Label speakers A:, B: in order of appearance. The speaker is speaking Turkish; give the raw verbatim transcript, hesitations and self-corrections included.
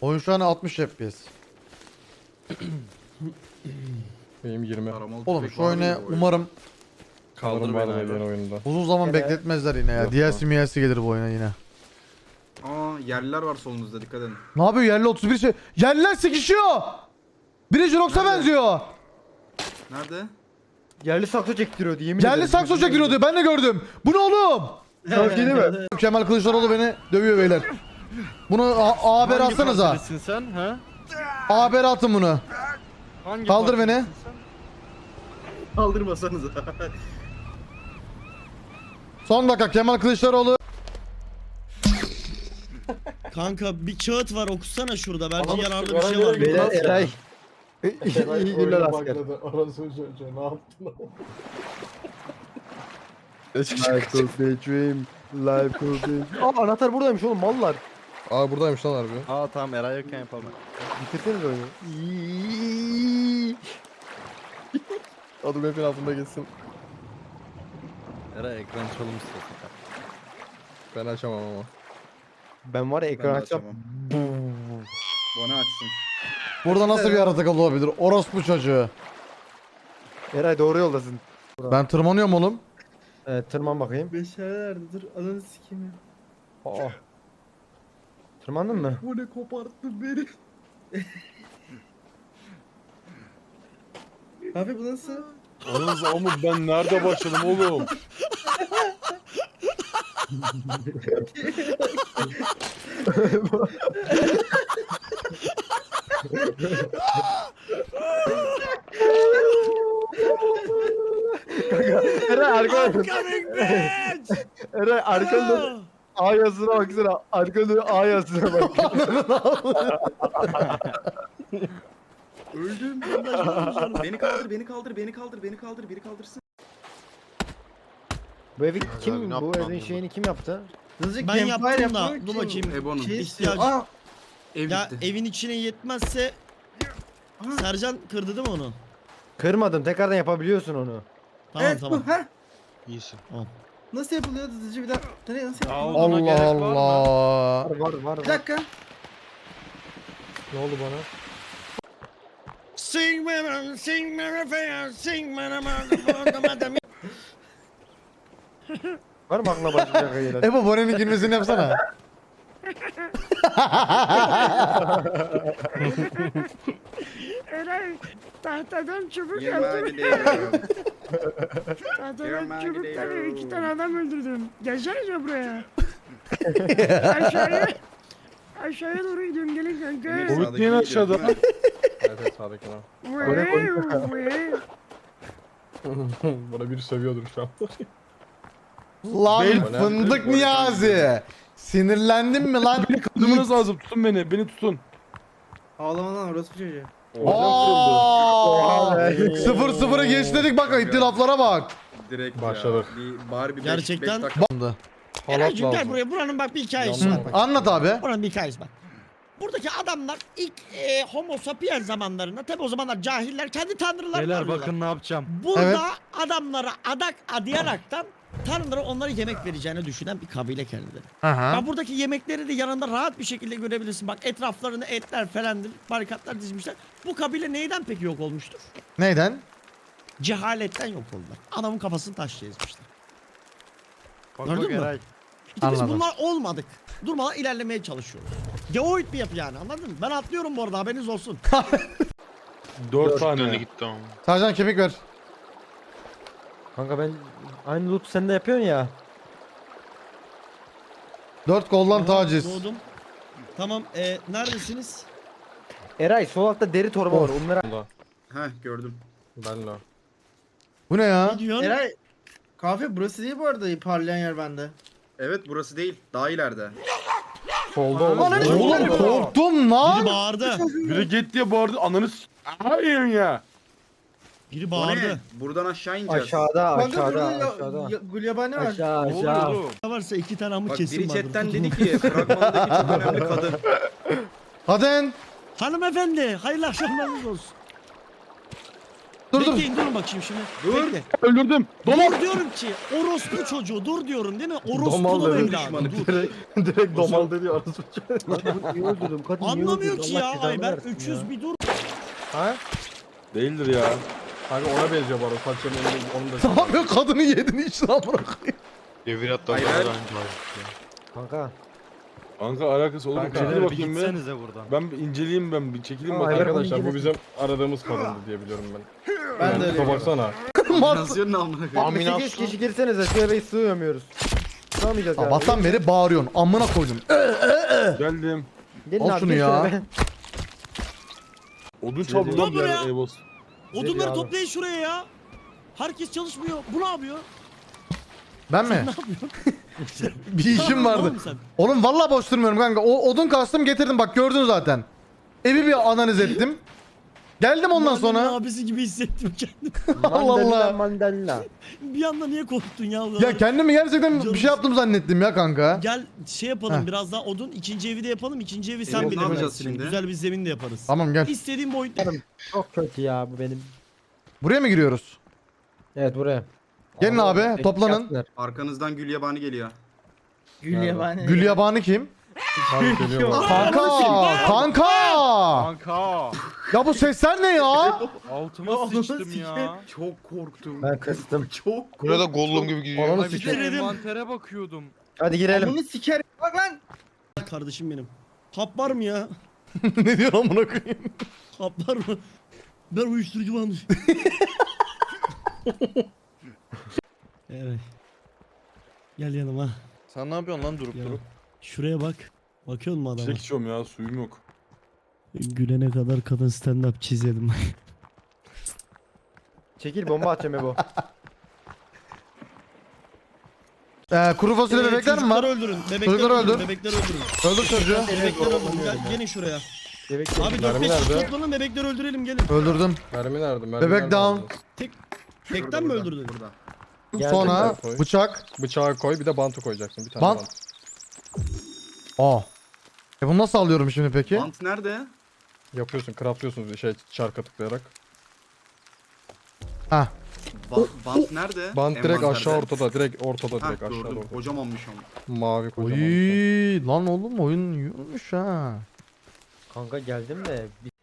A: Oyun şu an altmış F P S.
B: Benim yirmi.
A: Oğlum şu oyunu umarım
B: Kaldır beni abi oyunda.
A: uzun zaman
C: Gene-
A: bekletmezler yine ya.
B: Yok
A: D L
B: lan.
A: C M L C gelir bu oyuna yine.
D: Aa yerliler var solunuzda, dikkat edin.
A: Ne yapıyor yerli otuz bir şey? Yerliler sıkışıyor. Biri Jirox'a
D: Nerede?
A: benziyor.
D: Nerede?
C: Yerli sakso çektiriyordu yemin
A: Yerli
C: ederim.
A: sakso çekiyor diyor. Ben de gördüm. Bu ne oğlum?
C: Sana bir şey değil mi?
A: Kemal Kılıçdaroğlu beni dövüyor beyler. Bunu A, A haber atsanıza.
B: partidesin sen ha?
A: A haber atın bunu.
B: Hangi
A: Kaldır beni.
B: partidesin sen?
D: Kaldırmasanıza.
A: Son dakika Kemal Kılıçdaroğlu.
E: Kanka bir kağıt var okusana şurada. Bence
B: Ama
E: yararlı bir
B: sigara
E: şey var.
B: yere
C: Beyler
B: Nasıl
C: Eray.
B: Eray
C: İyi günler
B: oyuna
C: asker.
B: başladı. Orası çocuğu ne yaptın?
C: Life could be dream. Life could be... Aa anahtar buradaymış oğlum mallar.
B: Aa buradaymış lan harbi.
F: Aa tamam Eray yokken yapalım.
C: Bitirseniz oyunu.
B: Adım hepin altında geçsin.
F: Eray ekran çalım istiyorsun.
B: Ben açamam ama.
C: Ben var ya ekran
D: Ben de
C: açacağım.
D: Bana açsın.
A: Burada nasıl bir yaratık olabilir? Orospu çocuğu.
C: Eray doğru yoldasın.
A: Ben tırmanıyorum oğlum.
C: Evet tırman bakayım.
D: Beşerlerdi, dur ananı sikeyim ya.
C: Aa. Tırmandın mı?
D: Bu ne koparttı beni. Abi bu nasıl?
B: Oğlum ama ben nerede başladım oğlum?
C: Eray arkadan.
E: Coming bitch!
C: Eray arkadan. A yazısına baksana. Arkadan A yazısına bak.
D: Öldüm. Beni kaldır, beni kaldır, beni kaldır, beni kaldır, biri kaldırsın.
C: Bu evi kim, bu evin şeyini kim yaptı?
E: Ben yaptım da dur bakayım.
D: Ebon'un.
E: İhtiyacı.
D: Aa! Ev
E: Ya
D: gitti.
E: evin içine yetmezse Sercan kırdı değil mi onu?
C: Kırmadım tekrardan yapabiliyorsun onu.
E: Tamam
D: Evet
E: tamam.
D: bu, ha?
F: İyisin.
D: Nasıl yapılıyor hızlıca bir dakika. Ne nasıl yapılıyor?
A: Allah Allah.
C: Var var var.
D: Bir dakika.
C: Ne oldu bana?
E: Sing me, sing me, fair, sing me, madam.
C: Var mı aklına başlayacak hayırlar?
A: Ebo Bore'nin girmesini yapsana.
G: Eray tahtadan çubuk
D: Yanıma
G: yaptım.
D: gidiyorum.
G: Tahtadan
D: Yanıma
G: çubukları
D: gidiyorum.
G: iki tane adam öldürdüm. Gelsenize buraya. Aşağıya. Aşağıya doğru gidiyorum gelin kanka.
D: Emir
B: Boyut
D: sağdaki
B: niye
D: gidiyor,
B: aşağıda?
D: değil mi?
B: Evet evet sağdaki lan.
G: Vıy, vıy.
B: Bana biri sövüyordur şu an.
A: Lan
B: Beyler,
A: fındık
B: beyler,
A: Niyazi. Sinirlendin mi lan?
B: Kaldırmanız lazım. Tutun beni. Beni tutun.
D: Ağlama lan orası çocuğu.
A: Aa!
C: be.
A: Sıfır sıfırı geç dedik bak ittilaflara bak.
D: Direkt
B: Başladık.
D: ya. Bir, bari bir
E: Gerçekten-
D: beş, beş dakika.
A: Bandı.
E: Eraycığım gel
B: lazım.
E: buraya. Buranın bak bir hikayesi
B: Hı,
E: var. Bak.
A: Anlat abi.
E: Buranın bir hikayesi bak. Buradaki adamlar ilk e, homo sapiens zamanlarında tabi o zamanlar cahiller kendi tanrılarını
F: Beyler
E: arıyorlar.
F: bakın ne yapacağım.
E: Burada
A: Evet.
E: adamlara adak adayaraktan tanrılara onlara yemek vereceğini düşünen bir kabile kendileri.
A: Aha.
E: Ben buradaki yemekleri de yanında rahat bir şekilde görebilirsin. Bak etraflarında etler falandır, barikatlar dizmişler. Bu kabile neyden peki yok olmuştur?
A: Neyden?
E: Cehaletten yok oldular. Adamın kafasını taşla ezmişler.
F: Bak
E: Gördün
F: bak
E: mü?
F: Eray.
E: İşte biz
A: Anladım.
E: bunlar olmadık. Durmadan ilerlemeye çalışıyoruz. Geoid bir yapı yani anladın mı? Ben atlıyorum bu arada haberiniz olsun.
B: Dört tane.
A: Sercan kemik ver.
C: Kanka ben aynı loot sen de yapıyorsun ya.
A: Dört koldan
E: Aha,
A: taciz.
E: Doğdum. Tamam e, neredesiniz?
C: Eray sol altta deri torba var onlara.
D: Heh gördüm.
B: Ben la.
A: Bu ne ya?
E: Ne diyorsun?
H: Eray kahve burası değil bu arada parlayan yer bende.
D: Evet burası değil. Daha ileride.
B: Solda oğlum.
A: Oğlum korktum
E: Biri
A: lan.
E: bağırdı.
B: Biri git diye bağırdı. Ananı s***. Hayır ya.
E: Biri
D: O ne?
E: bağırdı.
D: Buradan aşağı ineceğiz.
C: Aşağıda
H: Kanka
C: aşağıda
H: burada ya,
C: aşağıda.
H: ya, gulyabani var.
C: Aşağı
B: Ne oluyor
C: aşağı.
B: oğlum?
E: Ne varsa iki tane amı
D: Bak
E: kesin
D: biri
E: vardır.
D: chatten
E: Tutun.
D: dedi ki fragmandaki çok önemli kadın.
A: Hadi.
E: Hanımefendi hayırlı akşamlarınız olsun.
A: dur dur.
E: Bekleyin durun bakayım şimdi.
D: Dur.
E: Bekle.
B: Öldürdüm. Domal.
E: Dur diyorum ki orospu çocuğu dur diyorum değil mi?
C: Domal
E: Orospu'nun
C: dedim.
E: evladı dur.
C: Direkt, direkt domal dedi arası. Niye öldürdüm? Kadın niye
E: Anlamıyor
C: öldürdün?
E: ki
C: Allah
E: ya
C: cezanı
E: Ayber
C: versin
E: üç
C: ya.
E: yüz bir dur.
C: Ha?
B: Değildir ya.
F: Kanka ona benziyor bu arada. Saçlarının onun da.
A: Ne yapıyor kadını yedin içine amına koyayım.
F: Devir hatta
D: Hayır,
F: daha
D: hayır.
F: önce var.
C: Kanka.
B: Kanka alakası olur.
F: Kanka
B: Çekil
F: bir
B: bakayım bir.
F: gitsenize buradan.
B: Ben bir inceleyeyim ben bir çekileyim
C: Aa,
B: bakayım.
C: Ayber-
F: Arkadaşlar bu bizim aradığımız kadındı diye biliyorum ben.
H: Ben de öyle
F: Tipe baksana.
D: Kombinasyonun amına koyayım.
C: Abi sekiz kişi girsenize şu eve sığamıyoruz. Sığamayacağız yani.
A: Sabahtan beri bağırıyorsun. Amına koydum.
B: Geldim.
C: Gelin
A: Al
C: abi,
A: şunu
C: girsene
A: ya.
C: be.
B: Odun çaldı
E: Dur
B: lan bir
E: buraya.
B: yerde Evos.
E: Odunları
C: abi.
E: toplayın şuraya ya. Herkes çalışmıyor. Bu ne yapıyor?
A: Ben mi?
E: Ne yapıyorsun?
A: Bir işim vardı.
E: Oğlum sen.
A: Oğlum vallahi boş durmuyorum kanka. O odun kastım getirdim bak gördün zaten. Evi bir analiz ettim. Geldim ondan
E: Mahallenin
A: sonra.
E: abisi gibi hissettim kendimi.
A: Allah Allah.
C: Mandalina mandalina.
E: Bir anda niye korktun ya?
A: Ya kendimi gerçekten bir
E: Canım-
A: şey yaptım zannettim ya kanka.
E: Gel şey yapalım
A: Heh.
E: biraz daha odun. İkinci evi de yapalım. İkinci evi sen
D: Evet, ne
E: bilirsin.
D: yapacağız şimdi?
E: Güzel bir zemin de yaparız.
A: Tamam gel.
E: İstediğin boyutta.
C: Çok kötü ya bu benim.
A: Buraya mı giriyoruz?
C: Evet buraya.
A: Gelin abi,
C: Bekle,
A: toplanın.
C: gelsinler.
D: Arkanızdan gül yabani geliyor.
H: Gül yabani.
A: Gül yabani kim?
F: Abi geliyor bak.
A: Kanka! Kanka!
F: Kanka.
A: Ya bu sesler ne ya?
F: Altıma sıçtım ya.
D: Çok korktum.
C: Ben kıstım.
D: Çok
F: Burada da Gollum gibi gidiyor.
C: Ananı
F: Ay bir de
C: sikeyim.
F: envantere bakıyordum.
C: Hadi girelim.
H: Bunu siker. Bak lan.
E: Kardeşim benim. Hap var mı ya?
A: Ne diyor amına koyayım?
E: Hap var mı? Ben uyuşturucu varmış. Evet. Gel yanıma.
F: Sen ne yapıyorsun lan durup
E: Ya.
F: durup?
E: Şuraya bak. Bakıyor musun adama?
B: Çek içiyorum ya suyum yok.
E: Gülene kadar kadın stand up çizelim.
C: Çekil bomba atacağım Ebo.
A: Ee, kuru fasulye
E: Ee,
A: bebekler mi
E: çocukları
A: var?
E: öldürün. Bebekleri
A: Çocukları
E: öldürün.
A: öldür.
E: Bebekleri öldürün.
A: Öldür çocuğu.
E: Bebekleri öldürün. Gel, gelin şuraya.
C: Bebek
E: Abi dört
F: Mermi
E: beş kişi
F: nerede?
E: toplanın bebekleri öldürelim gelin.
A: Öldürdüm.
F: Mermi nerede? Mermi
A: Bebek
F: nerede
A: down.
F: aldınız?
E: Tekten mi öldürdün?
D: Burada.
C: Geldim
A: Sonra
F: ben.
A: bıçak.
F: Bıçağı koy bir de bantı koyacaksın. Bir tane
A: Bant.
F: bant.
A: Aa. E bunu nasıl alıyorum şimdi peki?
D: Bant nerede?
F: Yapıyorsun, craftlıyorsunuz şey çarka tıklayarak.
A: Ha.
D: Ba- bant nerede?
F: Bant direkt
D: Envanterde.
F: aşağı ortada, direkt ortada,
D: Ha
F: direkt aşağı
D: gördüm.
F: ortada.
D: Kocamanmış ama.
F: Mavi kocaman.
A: Oy lan oğlum oyun yiyormuş ha.
C: Kanka geldim de bir